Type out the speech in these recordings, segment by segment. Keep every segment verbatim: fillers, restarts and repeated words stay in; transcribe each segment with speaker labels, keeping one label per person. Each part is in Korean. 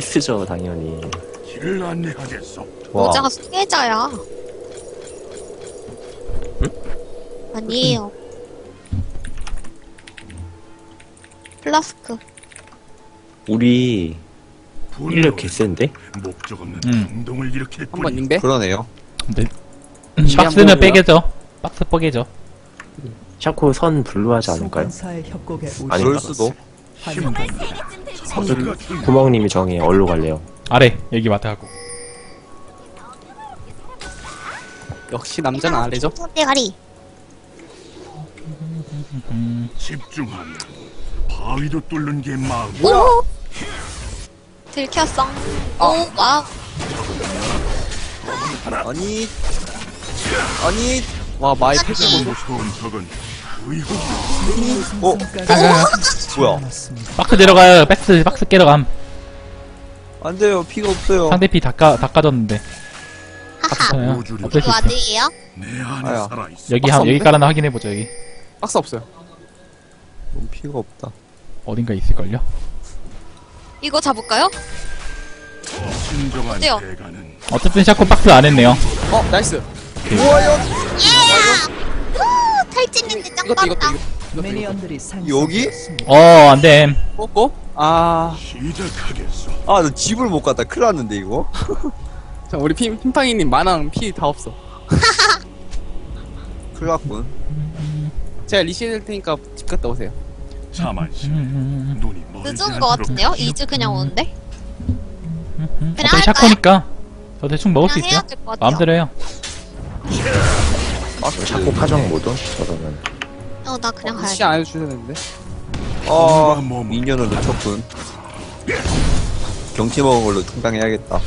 Speaker 1: 퀘스트죠 당연히.
Speaker 2: 길을 안내하겠소.
Speaker 1: 와.
Speaker 3: 모자가 수계자야.
Speaker 1: 응?
Speaker 3: 아니에요. 플라스크.
Speaker 1: 우리 인력 개센데?
Speaker 2: 목적 없는
Speaker 4: 음.
Speaker 2: 충동을 일으킬
Speaker 5: 한번
Speaker 2: 뿐.
Speaker 5: 링배?
Speaker 6: 그러네요.
Speaker 4: 근데
Speaker 5: 음,
Speaker 4: 박스는
Speaker 5: 뭐야?
Speaker 4: 빼개죠. 박스 뻐개죠.
Speaker 1: 샤코 선 분류하지 않을까요? 아니,
Speaker 6: 그럴 수도.
Speaker 2: 자세가 중.
Speaker 1: 구멍님이 정해. 어디로 갈래요?
Speaker 4: 아래 여기 맡아갖고.
Speaker 5: 역시 남자는 아래죠?
Speaker 3: 대가리.
Speaker 2: 집중하면 바위도 뚫는 게 마음.
Speaker 3: 오! 들켰어.
Speaker 5: 아.
Speaker 3: 오, 와우.
Speaker 6: 아니, 아니,
Speaker 5: 와 마이 패스
Speaker 2: 무서운 적은 의혹.
Speaker 6: 어,
Speaker 4: 가가가.
Speaker 6: 뭐야?
Speaker 4: 박스 내려가요. 박스 박스 깨러 감.
Speaker 6: 안 돼요. 피가 없어요.
Speaker 4: 상대 피 닦아 닦아줬는데.
Speaker 3: 하하.
Speaker 4: 괜찮아요.
Speaker 2: 우주를
Speaker 4: 어쩔 수
Speaker 3: 이거
Speaker 4: 있어.
Speaker 3: 와드예요?
Speaker 2: 내 안에
Speaker 6: 아야.
Speaker 2: 살아 있어.
Speaker 4: 여기
Speaker 5: 박스
Speaker 4: 한
Speaker 5: 없네?
Speaker 4: 여기 깔아놔 확인해 보죠 여기.
Speaker 5: 박스 없어요.
Speaker 6: 너무 피가 없다.
Speaker 4: 어딘가 있을걸요.
Speaker 3: 이거 잡을까요?
Speaker 2: 진정한
Speaker 3: 어때요?
Speaker 2: 대가는
Speaker 4: 어쨌든 샤코 박스 안 했네요.
Speaker 5: 어 나이스.
Speaker 3: 후, 탈진인데 짱
Speaker 5: 이것도 이것도
Speaker 3: 빠르다.
Speaker 5: 이것도 이것도.
Speaker 6: 여기?
Speaker 4: 어 안됨.
Speaker 5: 뽑고 아
Speaker 2: 시작하겠소.
Speaker 6: 아, 나 집을 못 갔다. 큰일 났는데, 이거.
Speaker 5: 자, 우리 피, 핀팡이님 만왕 피 다 없어.
Speaker 6: 큰일 났군.
Speaker 5: 제가 리시해 될 테니까 집 갔다 오세요.
Speaker 2: 자만심. 눈이 멀지
Speaker 3: 늦은 거 같은데요?
Speaker 2: 않도록
Speaker 3: 이 주 그냥 오는데? 그냥
Speaker 4: 어차피
Speaker 3: 할까요?
Speaker 4: 샤코니까 저 대충 먹을 수
Speaker 3: 그냥 해야
Speaker 4: 있어요.
Speaker 3: 될 것 같아요.
Speaker 4: 마음대로 해요.
Speaker 6: 아,
Speaker 1: 샤코 파정 모드? 저러면.
Speaker 3: 어, 나 그냥
Speaker 5: 시
Speaker 3: 가야지.
Speaker 5: 안 해주셔야 되는데.
Speaker 6: 아,
Speaker 2: 몸.
Speaker 6: 미니언을 놓쳤군. 경치 먹은 걸로 충당해야겠다.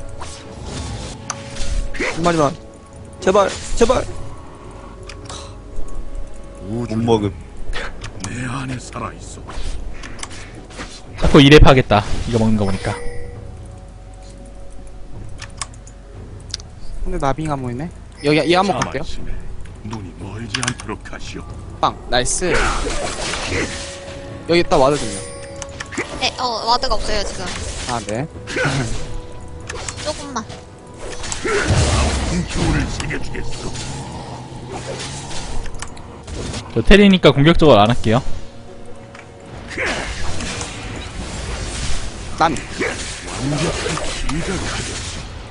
Speaker 6: 한 마리만. 제발, 제발. 못
Speaker 2: 우주는
Speaker 6: 먹음.
Speaker 2: 내 안에 살아 있어.
Speaker 4: 샤코 이 렙 하겠다. 이거 먹는 거 보니까.
Speaker 5: 근데 나빙 안 모이네. 여기 이 한번 갈게요.
Speaker 2: 자만심에 눈이 멀지 않도록 하시오.
Speaker 5: 빵 나이스. 여기 딱 와드군요.
Speaker 3: 네, 어, 와드가 없어요, 지금.
Speaker 5: 아 네.
Speaker 3: 조금만.
Speaker 2: 기운을 새겨주겠소.
Speaker 4: 저 테리니까 공격적으로 안 할게요.
Speaker 5: 남.
Speaker 2: 시작하겠소.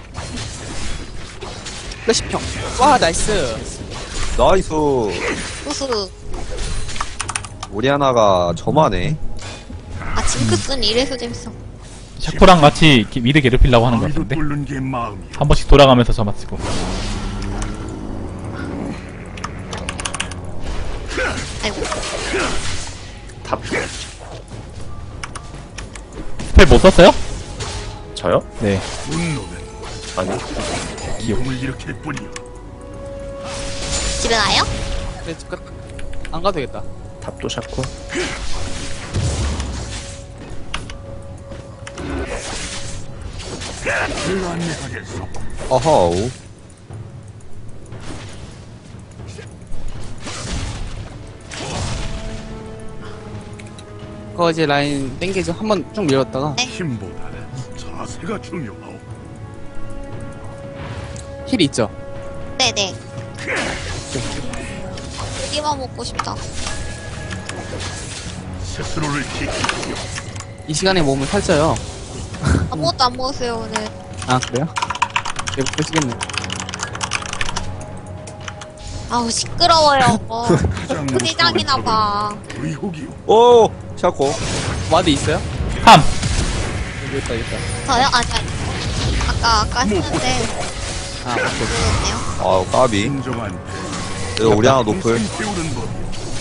Speaker 5: 플래시평. 와 나이스.
Speaker 6: 나이스.
Speaker 3: 우수.
Speaker 6: 오리아나가 저만해.
Speaker 3: 아, 징크스는 이래서 재밌어.
Speaker 4: 샤코랑 같이 이렇게 미드 괴롭히려고 하는 것
Speaker 2: 바위도
Speaker 4: 같은데.
Speaker 2: 뚫는 게 마음이야.
Speaker 4: 한 번씩 돌아가면서 저만 쓰고.
Speaker 3: 아이고.
Speaker 1: 탑.
Speaker 4: 스펠 못 썼어요?
Speaker 1: 저요?
Speaker 4: 네.
Speaker 2: 분노는
Speaker 1: 아니.
Speaker 2: 기용을 일으킬 뿐이오.
Speaker 3: 집에 가요?
Speaker 5: 네, 집 갔. 안 가도 되겠다.
Speaker 1: 탑도 샤코.
Speaker 2: 길을 안내하겠소.
Speaker 6: 어허우.
Speaker 5: 그거 이제 라인 땡기죠. 한번 쭉 밀었다가
Speaker 2: 힘보다 자세가 중요하오.
Speaker 5: 힐이 있죠.
Speaker 3: 네네. 고기만 먹고 싶다.
Speaker 2: 스스로를 지키시오.
Speaker 5: 이 시간에 몸을 살쪄요.
Speaker 3: 아무것도 안 먹었어요, 오늘.
Speaker 5: 아 그래요? 네, 보시겠네.
Speaker 3: 아우, 시끄러워요. 어.
Speaker 2: 가장
Speaker 3: 부대장이나 봐.
Speaker 2: 의혹이오.
Speaker 6: 오! 샤코.
Speaker 5: 와드 있어요?
Speaker 4: 함!
Speaker 5: 여기 있다 여기 있다.
Speaker 3: 저요? 아니, 아니. 아까, 아까 했는데,
Speaker 5: 아 오케이.
Speaker 3: 모르겠네요.
Speaker 6: 아우, 까비.
Speaker 2: 진정한
Speaker 6: 이거 오리아나 노플.
Speaker 2: 인생 배우는 법.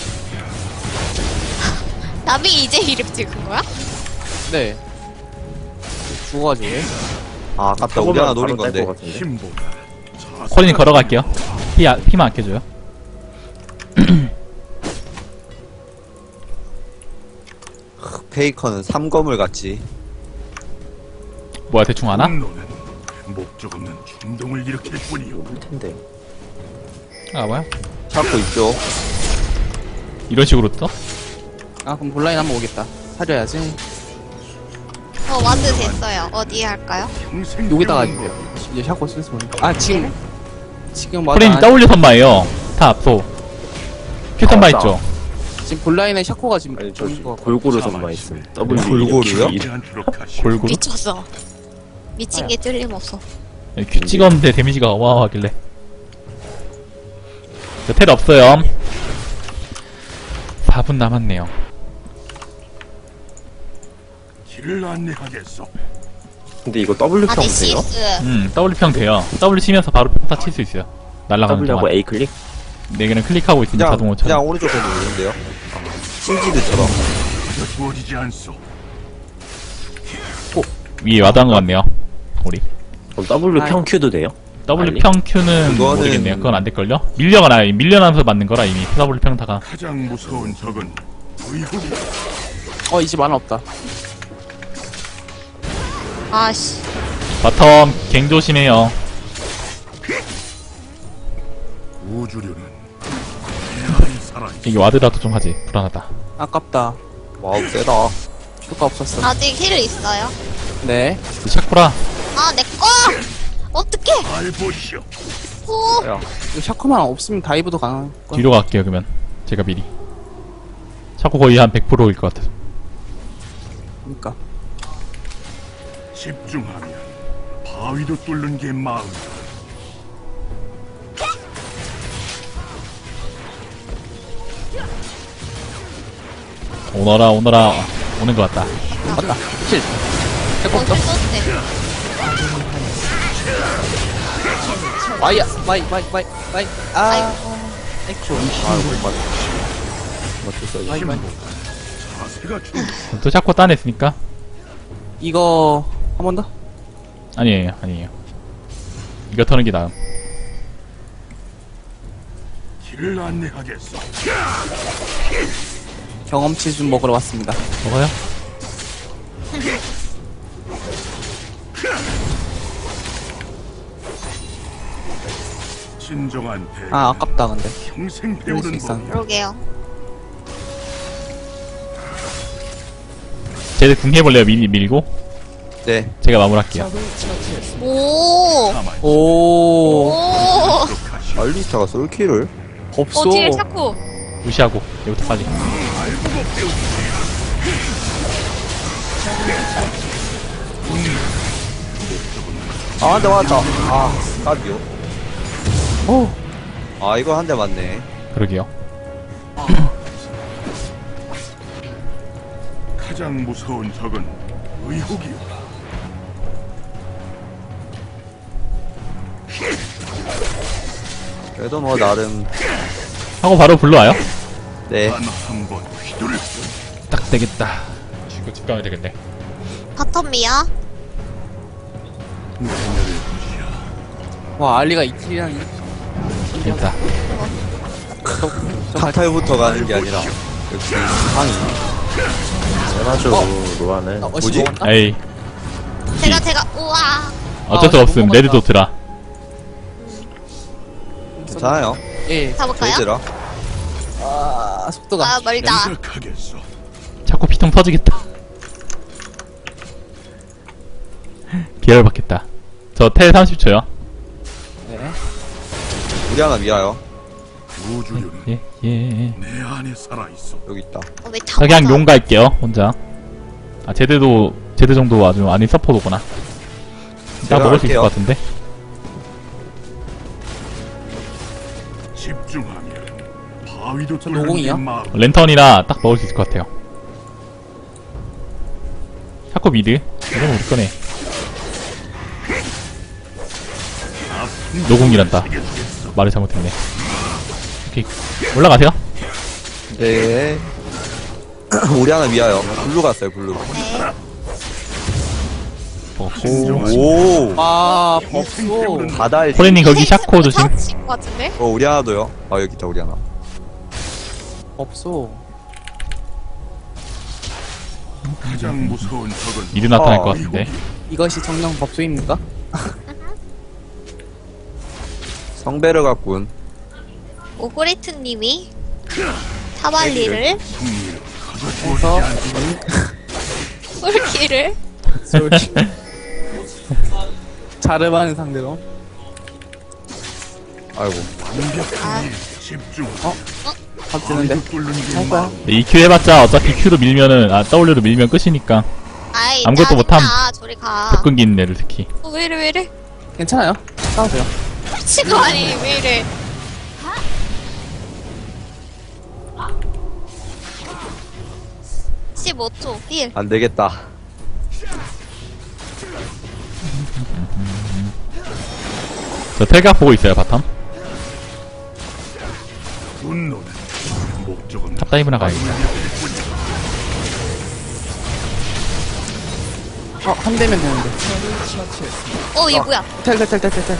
Speaker 3: 남이 이제 이름 찍은 거야?
Speaker 5: 네. 죽어가지고.
Speaker 6: 아, 아깝다. 오리아나 노린 건데.
Speaker 2: 힘보다 자세가
Speaker 4: 코린이 걸어갈게요. 피, 아, 피만 아껴줘요.
Speaker 6: 페이커는 삼검을 같이.
Speaker 4: 뭐야 대충 하나?
Speaker 2: 분노는 목적 없는 충동을 일으킬 뿐이오.
Speaker 1: 볼 텐데.
Speaker 4: 아 뭐야?
Speaker 6: 샤코 있죠.
Speaker 4: 이런 식으로 떠?
Speaker 5: 아 그럼 본라인 한번 오겠다. 사려야지.
Speaker 3: 어, 저 와드 됐어요. 어디에 할까요?
Speaker 2: 평생
Speaker 5: 여기다가
Speaker 2: 배우는
Speaker 5: 할게요. 이제 샤코 쓸수 보니까. 아, 지금. 지금 맞아.
Speaker 4: 프레임 W 선마예요. 탑, 소. Q 선마
Speaker 1: 아,
Speaker 4: 있죠?
Speaker 5: 지금 본라인에 샤코가 지금.
Speaker 1: 아니 저
Speaker 5: 보인 것 같고.
Speaker 1: 골고루 선마 있음. W
Speaker 6: 골고루요?
Speaker 1: 이렇게
Speaker 2: 않도록 하시오.
Speaker 4: 골고루?
Speaker 3: 미쳤어. 미친 게 틀림없어.
Speaker 4: 네, Q 찍었는데 데미지가 어마어마하길래. 자, 텔 없어요. 사 분 남았네요.
Speaker 2: 길을 안내하겠소.
Speaker 1: 근데 이거 W
Speaker 3: 아,
Speaker 1: 평 돼요?
Speaker 3: 네시스.
Speaker 4: 음, W 평 돼요. W 치면서 바로 평타 칠 수 있어요. 날아가는
Speaker 1: W하고
Speaker 4: 동안.
Speaker 1: A 클릭?
Speaker 4: 네 개는 클릭하고 있으니
Speaker 6: 그냥,
Speaker 4: 자동으로
Speaker 6: 그냥
Speaker 4: 쳐.
Speaker 6: 오른쪽 에 누르는데요. 신지드처럼.
Speaker 2: 가져 주어지지 않소.
Speaker 4: 위에 와닿은 것 같네요. 우리.
Speaker 1: 그럼 W 평 Q도 돼요?
Speaker 4: W
Speaker 1: 빨리?
Speaker 4: 평 Q는
Speaker 6: 그거는-
Speaker 4: 모르겠네요. 그건 안 될걸요? 밀려가 나요. 밀려나면서 맞는 거라 이미. W 평타가.
Speaker 2: 가장 무서운 적은 의혹이.
Speaker 5: 어, 이제 만화 없다.
Speaker 3: 아씨.
Speaker 4: 바텀 갱 조심해요.
Speaker 2: 우주류는 내 안에 살아있어.
Speaker 4: 이게 와드라도 좀 하지. 불안하다.
Speaker 5: 아깝다.
Speaker 6: 와우, 세다.
Speaker 5: 효과 없었어.
Speaker 3: 아직 힐 있어요?
Speaker 5: 네.
Speaker 4: 샤쿠라.
Speaker 3: 아, 내 거! 어떡해!
Speaker 2: 잘 보시오.
Speaker 3: 오!
Speaker 6: 야,
Speaker 5: 이거 샤코만 없으면 다이브도 가능할 거야.
Speaker 4: 뒤로 갈게요 그러면. 제가 미리. 샤쿠 거의 한 백 퍼센트일 것 같아서.
Speaker 5: 그니까.
Speaker 2: 집중하면 바위도 뚫는 게 마음.
Speaker 4: 오너라 오너라 오는 것 같다.
Speaker 5: 맞다. 킬. 샤코
Speaker 3: 어,
Speaker 5: 없어.
Speaker 3: 힐
Speaker 5: 와이야. 와이, 와이, 와이, 와이. 아.
Speaker 3: 아이고.
Speaker 5: 액션.
Speaker 6: 아, 못 맞. 맞췄어.
Speaker 5: 와이, 와이.
Speaker 2: 자세가 좀
Speaker 4: 또 샤쿠 따냈으니까.
Speaker 5: 이거, 한 번 더?
Speaker 4: 아니에요 아니에요. 이거 터는 게 나음.
Speaker 2: 길을 안내하겠소.
Speaker 5: 경험치 좀 먹으러 왔습니다.
Speaker 4: 먹어요?
Speaker 2: 진정한 배.
Speaker 5: 아, 아깝다, 근데.
Speaker 2: 평생
Speaker 5: 그럴 수
Speaker 2: 배우는 법.
Speaker 5: 있었는데.
Speaker 3: 그러게요.
Speaker 4: 쟤들 궁 해볼래요? 미리 밀고
Speaker 6: 네.
Speaker 4: 제가 마무리할게요.
Speaker 3: 오!
Speaker 2: 가만히
Speaker 5: 오.
Speaker 3: 오!
Speaker 2: 하시오.
Speaker 6: 알리스타가 솔킬을?
Speaker 5: 없어.
Speaker 3: 어, 뒤에 샤코.
Speaker 4: 무시하고 여기부터 빨리.
Speaker 6: 아, 한 대 맞았다. 아, 까비요.
Speaker 5: 오.
Speaker 6: 아, 이거 한 대 맞네.
Speaker 4: 그러게요.
Speaker 2: 가장 무서운 적은 의혹이오.
Speaker 6: 그래도 뭐, 나름,
Speaker 4: 하고 바로 불러와요?
Speaker 6: 네.
Speaker 2: 단 한 번 휘두를
Speaker 4: 딱 되겠다. 이거 집 가면 되겠네.
Speaker 3: 바텀이야?
Speaker 5: 와, 알리가 이킬이랑
Speaker 4: 됐다.
Speaker 6: 카타유부터 가는 게 아니라, 역시, 상이.
Speaker 1: 세나죠
Speaker 5: 어.
Speaker 1: 로아는.
Speaker 5: 어,
Speaker 6: 뭐지?
Speaker 5: 먹었나?
Speaker 4: 에이
Speaker 3: 제가, 제가, 우와!
Speaker 4: 어쩔 수
Speaker 5: 아,
Speaker 4: 없음.
Speaker 5: 못
Speaker 4: 레드
Speaker 5: 먹었다.
Speaker 4: 도트라.
Speaker 6: 괜찮아요.
Speaker 5: 예.
Speaker 3: 잡을까요?
Speaker 6: 저희들아.
Speaker 5: 아, 속도가.
Speaker 3: 아, 멀다.
Speaker 2: 생각하겠소.
Speaker 4: 자꾸 피통 터지겠다. 계열 받겠다. 저 텔 삼십 초요.
Speaker 5: 네.
Speaker 6: 우리 하나 미아요.
Speaker 2: 우주류는
Speaker 4: 예, 예.
Speaker 2: 내 안에 살아있어.
Speaker 6: 여기 있다.
Speaker 3: 어, 왜 다.
Speaker 4: 그냥
Speaker 3: 맞아?
Speaker 4: 용 갈게요, 혼자. 아, 제대도, 제대 정도 아주 아닌 서포도구나. 딱
Speaker 6: 제가
Speaker 4: 먹을 수 있을
Speaker 6: 할게요.
Speaker 4: 것 같은데?
Speaker 2: 집중하면 바위도 뚫는 게
Speaker 5: 노공이요?
Speaker 2: 마음.
Speaker 4: 랜턴이라 딱 먹을 수 있을 것 같아요. 샤코 미드. 이건 우리 거네. 노공이란다. 말을 잘못했네. 오케이. 올라가세요.
Speaker 6: 네. 우리 하나 미아요. 블루 갔어요, 블루.
Speaker 3: 네.
Speaker 4: 먹고.
Speaker 6: 오.
Speaker 5: 아, 법소.
Speaker 6: 바다에.
Speaker 4: 호레님 거기 샤코 조심.
Speaker 3: 것 같은데?
Speaker 6: 어, 우리 하나도요. 아, 여기 있다, 우리 하나.
Speaker 5: 법소.
Speaker 2: 가장 무서운 적은
Speaker 4: 미드 나타날
Speaker 6: 어,
Speaker 4: 것 같은데.
Speaker 5: 이것이 정령 법소입니까?
Speaker 6: 성배를 갖군.
Speaker 3: 오그레트님이 타발리를
Speaker 2: 승리를
Speaker 5: 해서,
Speaker 2: 가져주어지지 않소.
Speaker 3: 꿀키를
Speaker 5: 저기. 자르바는 상대로.
Speaker 6: 아이고.
Speaker 2: 완벽한 일 집중.
Speaker 5: 어? 박지는데?
Speaker 2: 뚫는 게
Speaker 5: 할 거야?
Speaker 2: 마음.
Speaker 4: 네, 이 큐 해봤자 어차피 Q로 밀면은 아 W로 밀면 끝이니까.
Speaker 3: 아이,
Speaker 4: 아무것도 못함.
Speaker 3: 짜증나. 저리 가.
Speaker 4: 접근기 있는 애들 특히.
Speaker 3: 어, 왜 이래, 왜 이래?
Speaker 5: 괜찮아요. 싸우세요.
Speaker 3: 미친 거 아니, 왜 이래? 십오 초, 일.
Speaker 6: 안 되겠다.
Speaker 4: 저 텔각 보고 있어요 바텀.
Speaker 2: 분노는 목적 없는
Speaker 4: 탑다이브나 가야겠다.
Speaker 5: 어, 한 대면 되는데.
Speaker 3: 어, 얘 뭐야?
Speaker 5: 텔, 텔, 텔, 텔, 텔, 텔.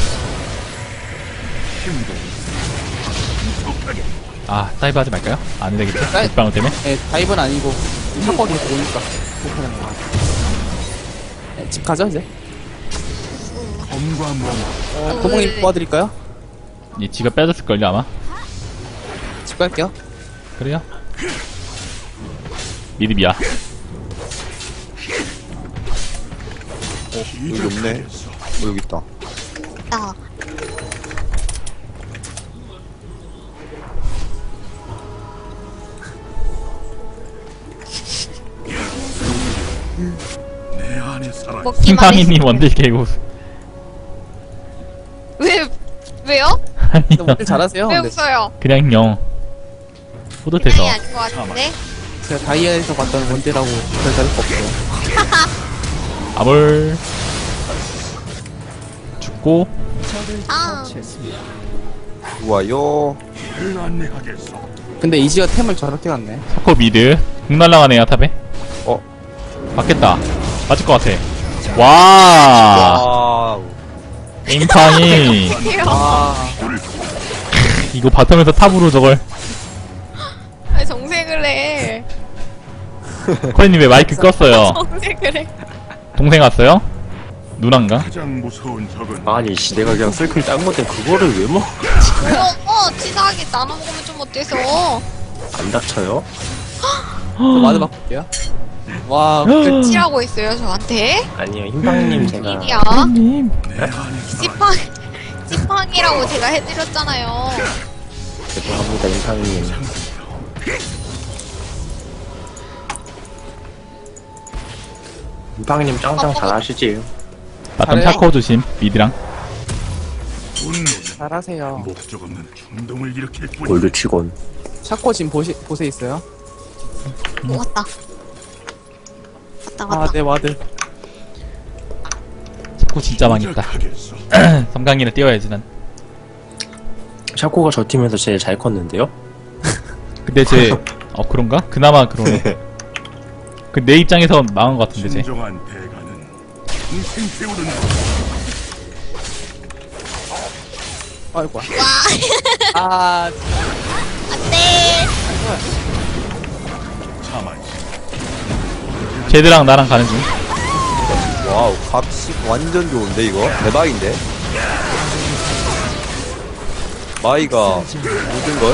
Speaker 4: 아 다이브 하지 말까요? 안 되겠지?
Speaker 5: 다이-
Speaker 4: 육방울 때문에?
Speaker 5: 예, 다이브는 아니고, 탑버기 오니까. 못하는 거. 예, 집 가죠, 이제?
Speaker 2: 검과 몸.
Speaker 5: 어, 도봉님 도와드릴까요?
Speaker 4: 이 지가 빼줬을걸요 아마?
Speaker 5: 집 갈게요.
Speaker 4: 그래요? 미드비야.
Speaker 6: 여기 없네. 어, 여기 있다.
Speaker 3: 나.
Speaker 2: 내 안에 살아.
Speaker 3: 먹기만 해.
Speaker 4: 킹팡이님 원딜 개고.
Speaker 3: 왜, 왜요?
Speaker 5: 근데 원딜 잘하세요.
Speaker 3: 왜
Speaker 5: 근데
Speaker 3: 웃어요?
Speaker 4: 그냥 영. 뿌듯해서.
Speaker 3: 그냥이 아닌 것 같은데?
Speaker 5: 제가 다이아에서 봤던 원딜하고 별 다를 거 없어요.
Speaker 4: 아볼. 죽고.
Speaker 3: 아,
Speaker 6: 좋아요.
Speaker 2: 를 안내하겠어.
Speaker 5: 근데 이지가 템을 저렇게 갔네.
Speaker 4: 사코 미드. 궁 날라가네요 탑에.
Speaker 6: 어.
Speaker 4: 맞겠다. 맞을 것 같아. 와.
Speaker 6: 와우.
Speaker 4: 게임팡이.
Speaker 5: 아,
Speaker 4: 이거 바텀에서 탑으로 저걸.
Speaker 3: 왜 정색을 해?
Speaker 4: 코리님 왜 마이크 껐어요?
Speaker 3: 정색을 해.
Speaker 4: 동생 왔어요? 누난가?
Speaker 2: 가장 무서운 적은
Speaker 1: 아니, 씨, 내가 그냥 쓸클 딴 건데 그거를 왜 먹어?
Speaker 3: 어, 어, 치사하게 나눠 먹으면 좀 어때서?
Speaker 1: 안 닥쳐요?
Speaker 5: 저 마드 바꿀게요. 와, 그,
Speaker 3: 치라고 했어요, 저한테?
Speaker 1: 아니요, 흰방님 제가.
Speaker 3: 일이야.
Speaker 4: 님.
Speaker 2: 내 안에 살아.
Speaker 3: 찌팡, 찌팡이라고 제가 해드렸잖아요.
Speaker 1: 죄송합니다, 흰방님. 흰방님 짱짱 잘하시지?
Speaker 4: 바텀
Speaker 5: 잘해요.
Speaker 4: 샤코 조심. 미드랑.
Speaker 2: 분노는
Speaker 5: 잘하세요.
Speaker 2: 목적 없는 충동을 일으킬 뿐.
Speaker 1: 골드 치곤.
Speaker 5: 샤코 지금 보시, 보세 있어요.
Speaker 3: 오, 왔다. 왔다,
Speaker 5: 아,
Speaker 3: 왔다.
Speaker 5: 네, 와드.
Speaker 4: 샤코 진짜 많이 있다.
Speaker 2: 시작하겠어.
Speaker 4: 섬광이를 띄워야지 난.
Speaker 1: 샤코가 저 팀에서 제일 잘 컸는데요?
Speaker 4: 근데 쟤, 어, 그런가? 그나마 그러네. 그 내 입장에서 망한 것 같은데, 쟤.
Speaker 2: 진정한 대가는 평생 세우는 것.
Speaker 5: 아이고.
Speaker 3: 와,
Speaker 5: 아,
Speaker 3: 안 돼.
Speaker 2: 참아지.
Speaker 4: 쟤들랑 나랑 가는 중.
Speaker 6: 와우. 값이 완전 좋은데, 이거? 대박인데? 마이가 모든걸?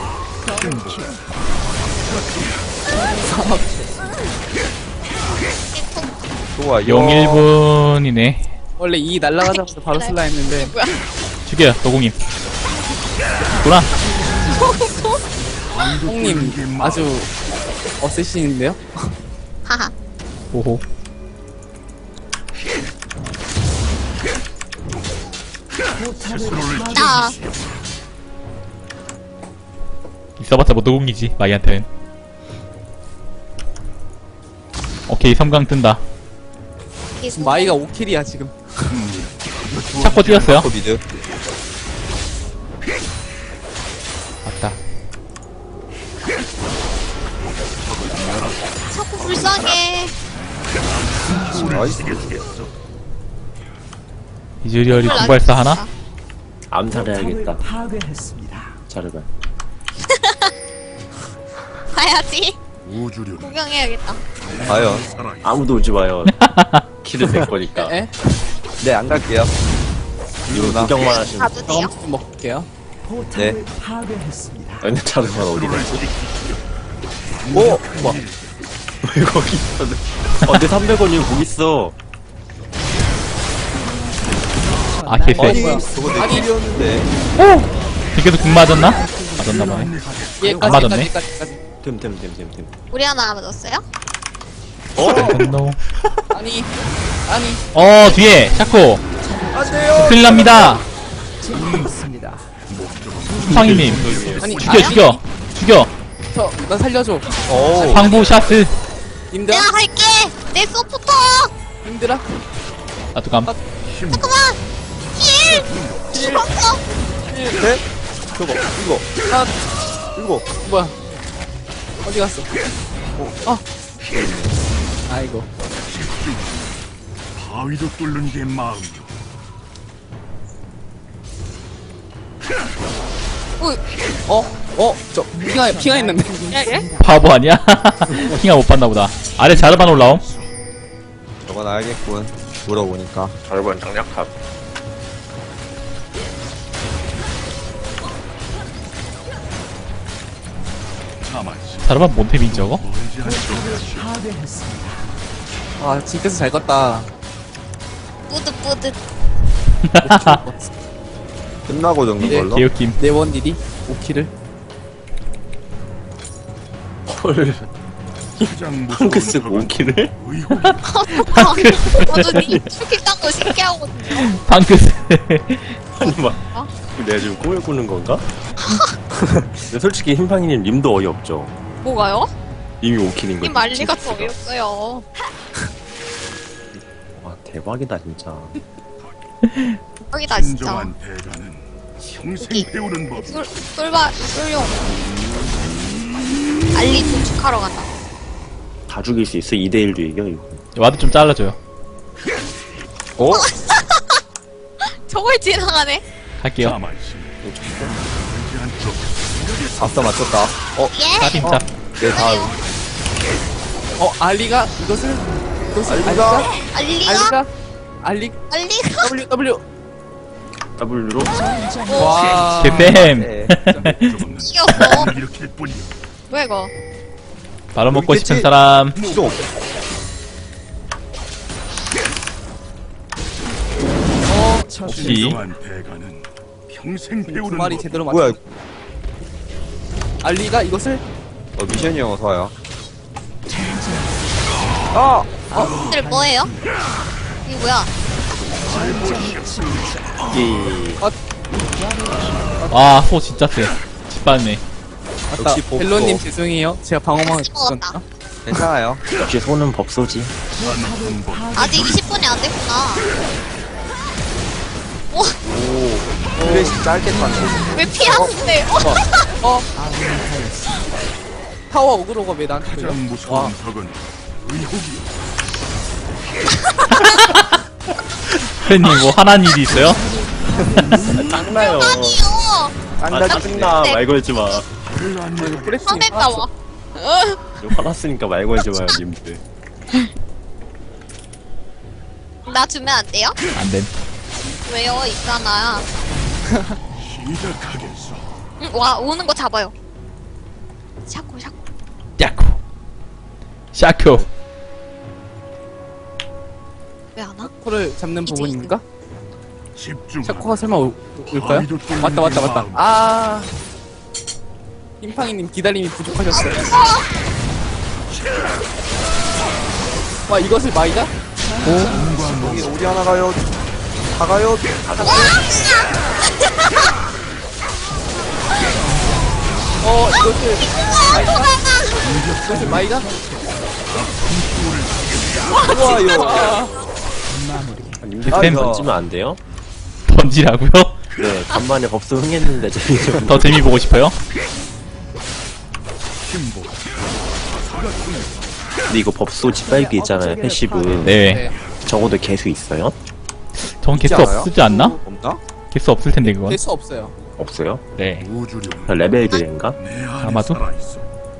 Speaker 6: 좋아요.
Speaker 4: 영 일 분이네.
Speaker 5: 원래 이 날라가자마자 바로 쓸라 했는데,
Speaker 4: 죽여요, 노공님. 구나.
Speaker 5: 형님 아주 어쌔신인데요?
Speaker 3: 하하.
Speaker 4: 오호.
Speaker 2: 스스로를
Speaker 3: 나.
Speaker 4: 있어봤자 뭐 노공이지, 마이한테는. 오케이, 섬광 뜬다.
Speaker 5: 지금 마이가 오 킬이야 지금.
Speaker 4: 샤코 뛰었어요?
Speaker 6: 샤코 미드.
Speaker 4: 맞다.
Speaker 3: 자꾸 불쌍해.
Speaker 6: 나이스.
Speaker 4: 이즈리얼이 구발사 하나?
Speaker 1: 암살해야겠다. 자르반.
Speaker 3: 봐야지.
Speaker 2: 우주류는
Speaker 3: 구경해야겠다.
Speaker 6: 과연.
Speaker 2: 살아있어.
Speaker 1: 아무도 오지 마요. 킬을 낼 거니까.
Speaker 5: 에?
Speaker 6: 네, 안 갈게요.
Speaker 1: 이거
Speaker 6: 이러나?
Speaker 1: 구경만 하시면.
Speaker 3: 가도 돼요?
Speaker 5: 경험 좀 먹을게요.
Speaker 6: 네.
Speaker 1: 근데 자르반 어디 갔지?
Speaker 6: 오! 뭐.
Speaker 1: 왜 거기 있어? 어, 내 삼백 원이면 거기 있어.
Speaker 4: 아 개쎄.
Speaker 6: 아니 저거 내 킬이었는데.
Speaker 4: 계속 궁 맞았나? 맞았나 봐요.
Speaker 5: 얘까지
Speaker 4: 안 맞았네.
Speaker 5: 얘까지 얘까지.
Speaker 1: 됨됨됨됨됨.
Speaker 3: 우리 하나 맞았어요?
Speaker 4: 어?
Speaker 5: 아니 아니
Speaker 4: 어 뒤에 샤코
Speaker 6: 안돼요.
Speaker 4: 큰일 납니다. 황희님
Speaker 5: 아니
Speaker 4: 죽여 죽여 죽여.
Speaker 5: 저나 살려줘.
Speaker 6: 오.
Speaker 4: 황부 샤스.
Speaker 5: 님들아
Speaker 3: 내가 갈게. 내 소프터.
Speaker 5: 님들아
Speaker 4: 나도 감.
Speaker 3: 잠깐만. 힐. 죽었어.
Speaker 6: 네? 저거 이거
Speaker 5: 아
Speaker 6: 이거.
Speaker 5: 뭐야 어디 갔어? 어. 아이고.
Speaker 2: 바위도 뚫는 게 마음이요.
Speaker 5: 어? 어? 저 핑하 핑하 있는데.
Speaker 3: 예?
Speaker 4: 바보 아니야? 킹아 못 봤나 보다. 아래 자르반 올라옴.
Speaker 6: 저건 알겠군. 물어보니까.
Speaker 1: 절반 장략합.
Speaker 2: 가만히
Speaker 4: 자르반 몬테빈 저거?
Speaker 2: 멀지 않죠.
Speaker 5: 아 진짜서 잘 껐다.
Speaker 3: 뿌듯뿌듯.
Speaker 6: 끝나고 정도
Speaker 5: 이제
Speaker 6: 걸로.
Speaker 4: 개웃김.
Speaker 5: 네원 딜이 오 킬을.
Speaker 1: 헐.
Speaker 2: 가장 무서운
Speaker 1: 펑크스
Speaker 2: 적은
Speaker 1: 모키를?
Speaker 2: 의혹이
Speaker 3: 저도 니 축기 딴거 신기하거든요.
Speaker 4: 방크스.
Speaker 1: 아니 막 내가 지금 꿈을 꾸는 건가? 근데 솔직히 흰팡이님 님도 어이없죠.
Speaker 3: 뭐가요?
Speaker 1: 님이 오킬인 거지.
Speaker 3: 이 말리가 더 어이없어요.
Speaker 1: 와 대박이다 진짜.
Speaker 3: 여기다 진짜.
Speaker 2: 진정한 대가는 평생
Speaker 3: 여기.
Speaker 2: 배우는 법.
Speaker 3: 쏠, 쏠바, 쏠용. 알리 도축하러 간다.
Speaker 1: 다 죽일 수 있어. 이 대 일도 이겨 이거.
Speaker 4: 와드 좀 잘라줘요.
Speaker 6: 어?
Speaker 3: 저걸 지나가네.
Speaker 4: 갈게요.
Speaker 2: 가만히 멀지 않죠.
Speaker 6: 아싸 맞췄다. 어?
Speaker 3: 예.
Speaker 4: 짭임짭.
Speaker 6: 내 다음.
Speaker 5: 어 알리가 이것을 이것을
Speaker 6: 알리가?
Speaker 5: 알리가
Speaker 3: 알리가?
Speaker 5: 알리가 알리
Speaker 3: 알리가?
Speaker 5: W W.
Speaker 1: W로
Speaker 5: 와.
Speaker 4: 개쌤.
Speaker 6: 네.
Speaker 2: 조금은
Speaker 3: 이겼어.
Speaker 2: 이렇게 뿐이요.
Speaker 3: 뭐야 이거?
Speaker 4: 바로 먹고 싶은
Speaker 6: 있겠지?
Speaker 4: 사람.
Speaker 6: 시동.
Speaker 4: 혹시
Speaker 2: 진정한 대가는 평생
Speaker 5: 두
Speaker 2: 배우는
Speaker 5: 마리
Speaker 2: 법.
Speaker 5: 제대로 맞.
Speaker 6: 뭐야?
Speaker 5: 알리가 이것을
Speaker 6: 어 미션이 형 어서 와요. 아!
Speaker 3: 들 뭐예요? 이게 뭐야?
Speaker 1: 이
Speaker 4: 와, 호 진짜 세. 짓밟네.
Speaker 5: 맞다.
Speaker 6: 역시 복도.
Speaker 5: 벨로님 죄송해요. 제가 방어망을
Speaker 3: 먹었다.
Speaker 5: 줬나?
Speaker 6: 괜찮아요.
Speaker 1: 역시 손은 법소지.
Speaker 3: 아직 이십 분이 안 됐구나. 오,
Speaker 6: 오. 플래시 짧게 탔네.
Speaker 3: 왜 피하는데? 어?
Speaker 5: 어. 타워 어그로가 왜 나한테 걸려?
Speaker 2: 가장
Speaker 5: 와.
Speaker 2: 무서운 적은 의혹이요.
Speaker 4: 팬님 뭐 화난 일이 있어요?
Speaker 1: 짱나요.
Speaker 3: 아니요.
Speaker 1: 아
Speaker 6: 짱나
Speaker 1: 짜증나. 말 걸지 마.
Speaker 2: 별로 안
Speaker 5: 이거 프레스
Speaker 3: 화냈다 와. 어?
Speaker 1: 화났으니까 말 걸지 마요 님들.
Speaker 3: 나 주면 안 돼요?
Speaker 4: 안 됨.
Speaker 3: 왜요? 있잖아.
Speaker 2: 시작하겠어.
Speaker 3: 응, 와 오는 거 잡아요. 샤코 샤코.
Speaker 4: 야코. 샤코.
Speaker 3: 왜 안 와?
Speaker 5: 코를 잡는 부분인가?
Speaker 2: 집중.
Speaker 5: 샤코가 설마 올, 올까요? 맞다 맞다 맞다. 아. 흰팡이님 기다림이 부족하셨어요. 와 이것을 마이다?
Speaker 6: 여기 우리 하나 가요. 다 가요.
Speaker 5: 어 이것을 마이다? 이것을 마이다?
Speaker 6: 좋아요.
Speaker 5: 아,
Speaker 1: 님들
Speaker 6: 아,
Speaker 1: 팬
Speaker 6: 이거.
Speaker 1: 던지면 안 돼요?
Speaker 4: 던지라고요?
Speaker 1: 네 간만에 법소 흥했는데 재미 좀.
Speaker 4: 더 재미 보고 싶어요?
Speaker 2: 힘보.
Speaker 1: 근데 이거 법소 짓밟기 있잖아요 패시브.
Speaker 4: 네.
Speaker 5: 네.
Speaker 1: 적어도 개수 있어요?
Speaker 4: 전 개수
Speaker 6: 않아요?
Speaker 4: 없지 않나?
Speaker 6: 없나?
Speaker 4: 개수 없을 텐데 그건.
Speaker 5: 될 수 없어요.
Speaker 1: 없어요?
Speaker 4: 네.
Speaker 2: 우주령.
Speaker 1: 레벨 그인가?
Speaker 2: 내 안에
Speaker 4: 아마도?
Speaker 2: 살아있어.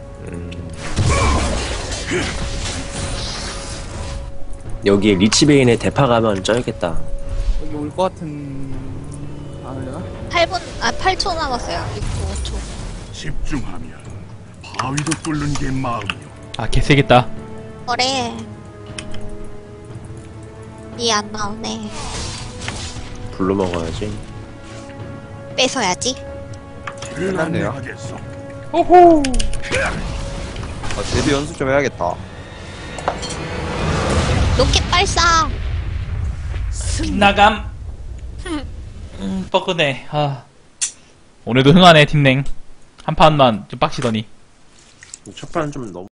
Speaker 1: 여기에 리치베인의 대파 가면 쩔겠다.
Speaker 5: 여기 올 것 같은. 아 그래나?
Speaker 3: 팔 분, 아 팔 초 남았어요. 육 초, 오 초.
Speaker 2: 집중하면 바위도 뚫는 게 마음이요.
Speaker 4: 아 개세겠다.
Speaker 3: 그래. 이 안 나오네.
Speaker 1: 불로 먹어야지.
Speaker 3: 뺏어야지.
Speaker 2: 길을
Speaker 6: 끝났네요.
Speaker 2: 안내하겠소.
Speaker 4: 오호.
Speaker 6: 아, 데뷔 연습 좀 해야겠다.
Speaker 3: 로켓 발사.
Speaker 4: 빗나감. 음, 뻐근해. 아. 오늘도 흥하네, 팀냉. 한 판만 좀 빡시더니.
Speaker 1: 첫 판은 좀 너무.